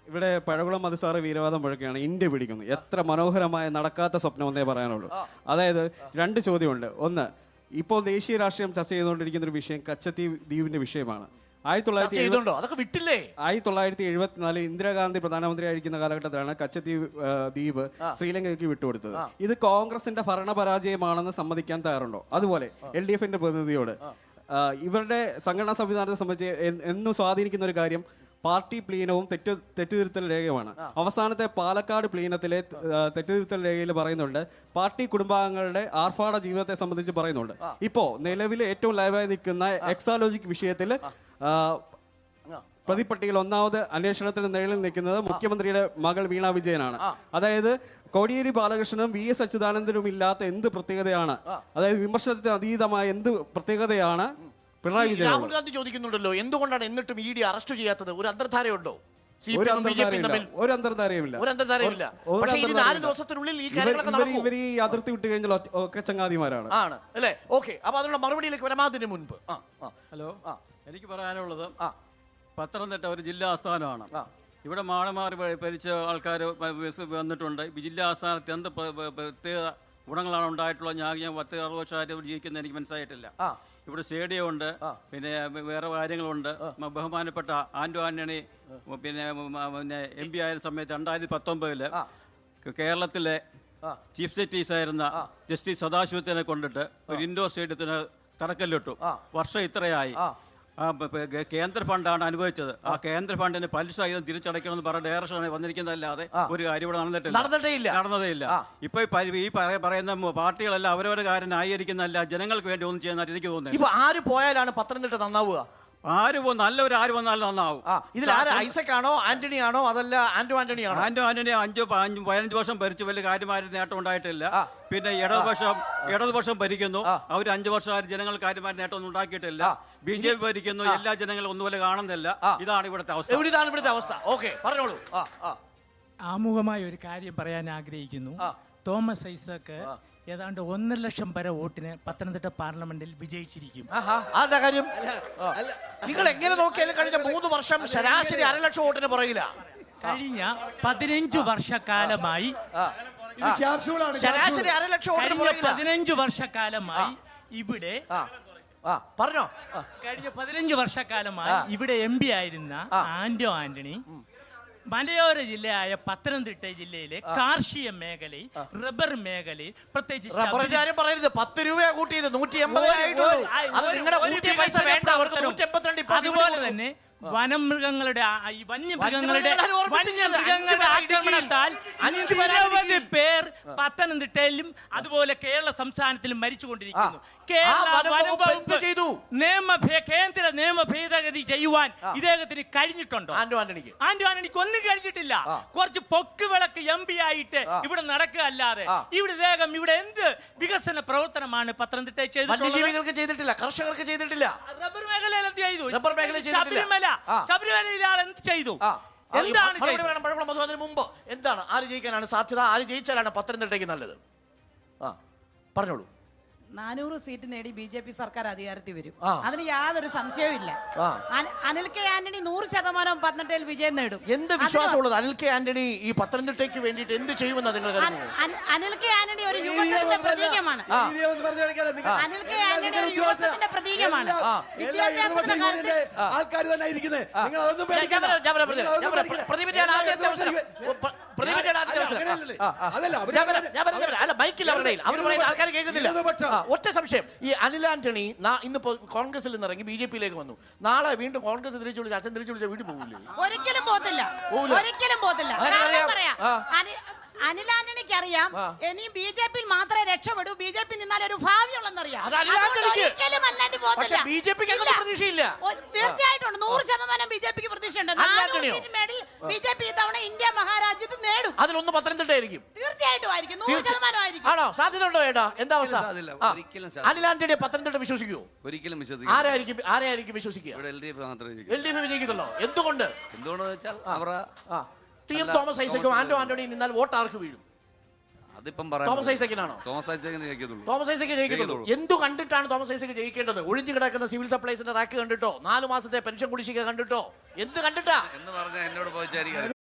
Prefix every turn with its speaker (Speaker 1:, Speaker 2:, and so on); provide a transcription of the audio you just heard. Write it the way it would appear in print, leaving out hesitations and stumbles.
Speaker 1: ഇവിടെ പഴകുളം മധുസാറ് വീരവാദം മുഴക്കുകയാണ്. ഇന്ത്യ പിടിക്കുന്നു. എത്ര മനോഹരമായ നടക്കാത്ത സ്വപ്നമെന്നേ പറയാനുള്ളൂ. അതായത് രണ്ട് ചോദ്യമുണ്ട്. ഒന്ന്, ഇപ്പോൾ ദേശീയ രാഷ്ട്രീയം ചർച്ച ചെയ്തുകൊണ്ടിരിക്കുന്ന ഒരു വിഷയം കച്ചത്തീവ് ദ്വീപിന്റെ വിഷയമാണ്. 1974 ഇന്ദിരാഗാന്ധി പ്രധാനമന്ത്രിയായിരിക്കുന്ന കാലഘട്ടത്തിലാണ് കച്ചത്തീവ് ദ്വീപ് ശ്രീലങ്കയ്ക്ക് വിട്ടുകൊടുത്തത്. ഇത് കോൺഗ്രസിന്റെ ഭരണപരാജയമാണെന്ന് സമ്മതിക്കാൻ തയ്യാറുണ്ടോ? അതുപോലെ LDFന്റെ പ്രതിനിധിയോട് ഇവരുടെ സംഘടനാ സംവിധാനത്തെ സംബന്ധിച്ച് എന്നും സ്വാധീനിക്കുന്ന ഒരു കാര്യം പാർട്ടി പ്ലീനവും തെറ്റുതിരുത്തൽ രേഖയുമാണ്. അവസാനത്തെ പാലക്കാട് പ്ലീനത്തിലെ തെറ്റുതിരുത്തൽ രേഖയിൽ പറയുന്നുണ്ട്, പാർട്ടി കുടുംബാംഗങ്ങളുടെ ആർഭാട ജീവിതത്തെ സംബന്ധിച്ച് പറയുന്നുണ്ട്. ഇപ്പോ നിലവിൽ ഏറ്റവും ലൈവായി നിൽക്കുന്ന എക്സാലോജിക് വിഷയത്തിൽ പ്രതിപട്ടികയിൽ ഒന്നാമത് അന്വേഷണത്തിന് നിഴലിൽ നിൽക്കുന്നത് മുഖ്യമന്ത്രിയുടെ മകൾ വീണ വിജയനാണ്. അതായത് കോടിയേരി ബാലകൃഷ്ണനും VS അച്യുതാനന്ദനും ഇല്ലാത്ത എന്ത് പ്രത്യേകതയാണ്, അതായത് വിമർശനത്തിന് അതീതമായ എന്ത് പ്രത്യേകതയാണ് പിണറായി വിജയൻ?
Speaker 2: രാഹുൽ ഗാന്ധി ചോദിക്കുന്നുണ്ടല്ലോ, എന്തുകൊണ്ടാണ് എന്നിട്ടും ED അറസ്റ്റ് ചെയ്യാത്തത്? ഒരു അന്തർധാരയുണ്ടോ?
Speaker 1: ഒരു അന്തർധാരയുമില്ല.
Speaker 2: പക്ഷേ ഈ 4 ദിവസത്തിനുള്ളിൽ ഈ കാര്യങ്ങളൊക്കെ നടക്കും.
Speaker 1: ഇവർ ഈ അതിർത്തി വിട്ട് കഴിഞ്ഞാൽ ഒക്കെ ചങ്ങാതിമാരാണ്
Speaker 2: ആണ് അല്ലേ? ഓക്കെ, അപ്പൊ അതിനുള്ള മറുപടിയിലേക്ക് വരാതിന് മുൻപ്
Speaker 3: ഹലോ, എനിക്ക് പറയാനുള്ളത്, പത്തനംതിട്ട ഒരു ജില്ലാ ആസ്ഥാനമാണ്. ഇവിടെ മാറി ഭരിച്ച ആൾക്കാർ വന്നിട്ടുണ്ട്. ജില്ലാ ആസ്ഥാനത്ത് എന്ത് പ്രത്യേക ഗുണങ്ങളാണ് ഉണ്ടായിട്ടുള്ളത്? ഞാൻ 10-60 വർഷമായിട്ട് ജീവിക്കുന്ന എനിക്ക് മനസ്സിലായിട്ടില്ല. ഇവിടെ സ്റ്റേഡിയം ഉണ്ട്, പിന്നെ വേറെ കാര്യങ്ങളുണ്ട്. ബഹുമാനപ്പെട്ട ആന്റോ ആന്റണി പിന്നെ MP ആയിരുന്ന സമയത്ത് 2019 കേരളത്തിലെ ചീഫ് ജസ്റ്റിസ് ആയിരുന്ന ജസ്റ്റിസ് സദാശിവത്തിനെ കൊണ്ടിട്ട് ഒരു ഇൻഡോർ സ്റ്റേഡിയത്തിന് തറക്കല്ലിട്ടു. വർഷം ഇത്രയായി. കേന്ദ്ര ഫണ്ടാണ് അനുഭവിച്ചത്. ആ കേന്ദ്ര ഫണ്ടിന് പലിശ സഹിതം തിരിച്ചടയ്ക്കണമെന്ന് പറഞ്ഞ ഡയറക്ഷനാണ് വന്നിരിക്കുന്നതല്ലാതെ ഒരു കാര്യം ഇവിടെ നടന്നതേയില്ല. ഇപ്പൊ ഈ പറയുന്ന പാർട്ടികളെല്ലാം അവരവരുടെ കാര്യം ന്യായീകരിക്കുന്നതല്ല, ജനങ്ങൾക്ക് വേണ്ടി ഒന്നും ചെയ്യുന്നതായിട്ട് എനിക്ക് തോന്നുന്നത്.
Speaker 2: ഇപ്പൊ ആര് പോയാലാണ് പത്തനംതിട്ട നന്നാവുക?
Speaker 3: നല്ലവർ ആര് വന്നാലും നന്നാവും.
Speaker 2: ഇതിൽ ഐസക് ആണോ ആന്റണി ആണോ അതല്ല ആന്റോ ആന്റണി ആണോ?
Speaker 3: ആന്റോ ആന്റണി 5-15 വർഷം ഭരിച്ചു, വലിയ കാര്യമായ നേട്ടം ഉണ്ടായിട്ടില്ല. പിന്നെ ഇടതുപക്ഷം ഭരിക്കുന്നു, അവർ 5 വർഷം ജനങ്ങൾക്ക് കാര്യമായ നേട്ടമൊന്നും ഉണ്ടാക്കിയിട്ടില്ല. BJP ഭരിക്കുന്നു, എല്ലാ ജനങ്ങളും ഒന്നുപോലെ കാണുന്നില്ല. ഇതാണ് ഇവിടുത്തെ
Speaker 2: അവസ്ഥ. ഓക്കെ, പറഞ്ഞോളൂ.
Speaker 4: ആമുഖമായ ഒരു കാര്യം പറയാൻ ആഗ്രഹിക്കുന്നു. തോമസ് ഐസക് ഏതാണ്ട് 1.5 ലക്ഷം വരെ വോട്ടിന് പത്തനംതിട്ട പാർലമെന്റിൽ വിജയിച്ചിരിക്കും.
Speaker 2: നിങ്ങൾ എങ്ങനെ നോക്കിയാലും കഴിഞ്ഞ 3 വർഷം ശരാശരി 1.5 ലക്ഷം വോട്ടിന് പുറകില.
Speaker 4: കഴിഞ്ഞ 15 വർഷക്കാലമായി
Speaker 2: ശരാശരി 1.5 ലക്ഷം വോട്ടിന് പുറകില.
Speaker 4: 15 വർഷക്കാലമായി ഇവിടെ കഴിഞ്ഞ 15 വർഷക്കാലമായി ഇവിടെ MP ആയിരുന്ന ആന്റോ ആന്റണി മലയോര ജില്ലയായ പത്തനംതിട്ട ജില്ലയിലെ കാർഷിക മേഖലയിൽ, റബ്ബർ മേഖലയിൽ, പ്രത്യേകിച്ച്
Speaker 2: പറയരുത്. 10 രൂപ കൂട്ടിയത് 180.
Speaker 4: അതുപോലെ തന്നെ വന്യമൃഗങ്ങളുടെ ആക്രമണത്താൽ നിരവധി പേർ പത്തനംതിട്ടയിലും അതുപോലെ കേരള സംസ്ഥാനത്തിലും മരിച്ചുകൊണ്ടിരിക്കുന്നു. കേന്ദ്ര നിയമ ഭേദഗതി ചെയ്യുവാൻ ഇദ്ദേഹത്തിന് കഴിഞ്ഞിട്ടുണ്ടോ? ആന്റോ ആന്റണിക്ക് ഒന്നും കഴിഞ്ഞിട്ടില്ല. കുറച്ച് പൊക്ക് വിളക്ക് MP ആയിട്ട് ഇവിടെ നടക്കുക അല്ലാതെ ഇദ്ദേഹം ഇവിടെ എന്ത് വികസന പ്രവർത്തനമാണ് പത്തനംതിട്ടയിൽ
Speaker 2: ചെയ്തിട്ടില്ല? കർഷകർക്ക് ചെയ്തിട്ടില്ല.
Speaker 4: റബ്ബർ മേഖലയിൽ എന്ത് ചെയ്തു? ശബരിമലയിൽ എന്ത് ചെയ്തു?
Speaker 2: മുമ്പ് എന്താണ്, ആര് ജയിക്കാനാണ് സാധ്യത? ആര് ജയിച്ചാലാണ് പത്തനംതിട്ടയ്ക്ക് നല്ലത്? പറഞ്ഞോളൂ.
Speaker 5: 400 സീറ്റ് നേടി BJP സർക്കാർ അധികാരത്തിൽ വരും, അതിന് യാതൊരു സംശയവും ഇല്ല. അനിൽ കെ ആന്റണി 100% പത്തനംതിട്ടയിൽ വിജയം നേടും.
Speaker 2: എന്ത് വിശ്വാസമുള്ളത് അനിൽ കെ ആന്റണി ഈ പത്തനംതിട്ടയ്ക്ക് വേണ്ടിയിട്ട് എന്ത് ചെയ്യുമെന്ന് നിങ്ങൾ
Speaker 5: അനിൽ കെ ആന്റണി ഒരു യുവത്വത്തിന്റെ പ്രതീകമാണ്. അനിൽ കെ ആന്റണി ഒരു യുവത്വത്തിന്റെ പ്രതീകമാണ്.
Speaker 6: ആൾക്കാർ തന്നെ ഇരിക്കുന്നത്.
Speaker 2: ഒറ്റ സംശയം, ഈ അനിൽ ആന്റണി ഇന്നിപ്പോ കോൺഗ്രസിൽ നിന്ന് ഇറങ്ങി BJP-യിലേക്ക് വന്നു. നാളെ വീണ്ടും കോൺഗ്രസ് തിരിച്ചു വിളിച്ച് അച്ഛൻ തിരിച്ചു വിളിച്ച വീട്ടിൽ പോകില്ലേ?
Speaker 5: ഒരിക്കലും പോകത്തില്ല. അനിൽ ആന്റണിക്ക് അറിയാം ഇനി BJP-യിൽ മാത്രമേ രക്ഷപ്പെടൂ, BJP നിന്നാൽ ഒരു ഭാവിയുള്ളെന്നറിയാം. തീർച്ചയായിട്ടും 100% BJP-ക്ക് പ്രതീക്ഷയുണ്ട്. 400 സീറ്റ് മേടിൽ BJP ഇത്തവണ ഇന്ത്യ മഹാരാജ്യത്ത് നേടും.
Speaker 2: അതിലൊന്നും പത്തനംതിട്ട ആയിരിക്കും.
Speaker 5: തീർച്ചയായിട്ടും ആയിരിക്കും, 100% ആയിരിക്കും.
Speaker 2: ആണോ? സാധ്യത ഉണ്ടോ? ഏട്ടാ, എന്താ അവസ്ഥ? അനിൽ ആന്റണിയെ പത്തനംതിട്ട വിശ്വസിക്കുമോ?
Speaker 6: ഒരിക്കലും
Speaker 2: ആരായിരിക്കും വിശ്വസിക്കുക? LDF വിജയിക്കുന്നുള്ളോ? എന്തുകൊണ്ട്? തോമസ് ഐസക്കും ആന്റോ ആന്റണി നിന്നാൽ വോട്ട് ആർക്ക് വീഴും? തോമസ് ഐസക്കിനാണോ?
Speaker 6: തോമസ്
Speaker 2: ഐസക്ക് ജയിക്കുന്നുള്ളൂ. എന്തു കണ്ടിട്ടാണ് തോമസ് ഐസക്ക് ജയിക്കേണ്ടത്? ഒഴിഞ്ഞു കിടക്കുന്ന സിവിൽ സപ്ലൈസിന്റെ റാക്ക് കണ്ടിട്ടോ? 4 മാസത്തെ പെൻഷൻ കുടിശ്ശിക കണ്ടിട്ടോ? എന്ത് കണ്ടിട്ടാ?
Speaker 6: എന്ന് പറഞ്ഞാൽ എന്നോട് പോയിച്ചായിരിക്കും.